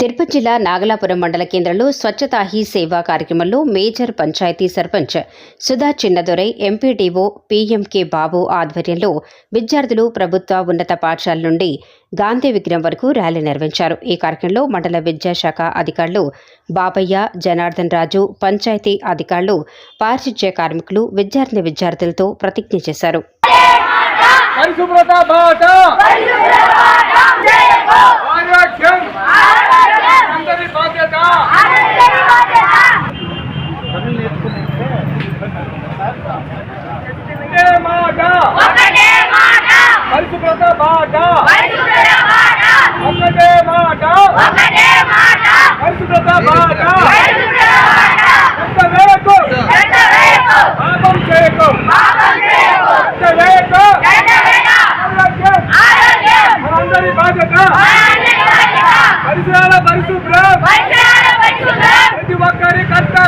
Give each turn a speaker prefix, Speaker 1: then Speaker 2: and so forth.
Speaker 1: తిరుపతి జిల్లా నాగలాపురం మండల కేంద్రంలో స్వచ్ఛతా హీ సేవా కార్యక్రమంలో major panchayati sarpanch Sudha Chinnadorai, MPDO PMK Babu ఆధ్వర్యంలో విద్యార్థులు ప్రభుత్వ ఉన్నత పాఠశాల నుండి గాంధీ విగ్రహం వరకు ర్యాలీ నిర్వహించారు. ఈ కార్యక్రమంలో మండల విద్యాశాఖ అధికారులు బాబయ్య, జనార్దన్ రాజు, పంచాయతీ అధికారులు, పారిశుధ్య కార్మికులు విద్యార్థులతో ప్రతిజ్ఞ చేశారు.
Speaker 2: పరిసరాల పరిశుభ్రం ప్రతి ఒక్కరి కర్తవ్యం.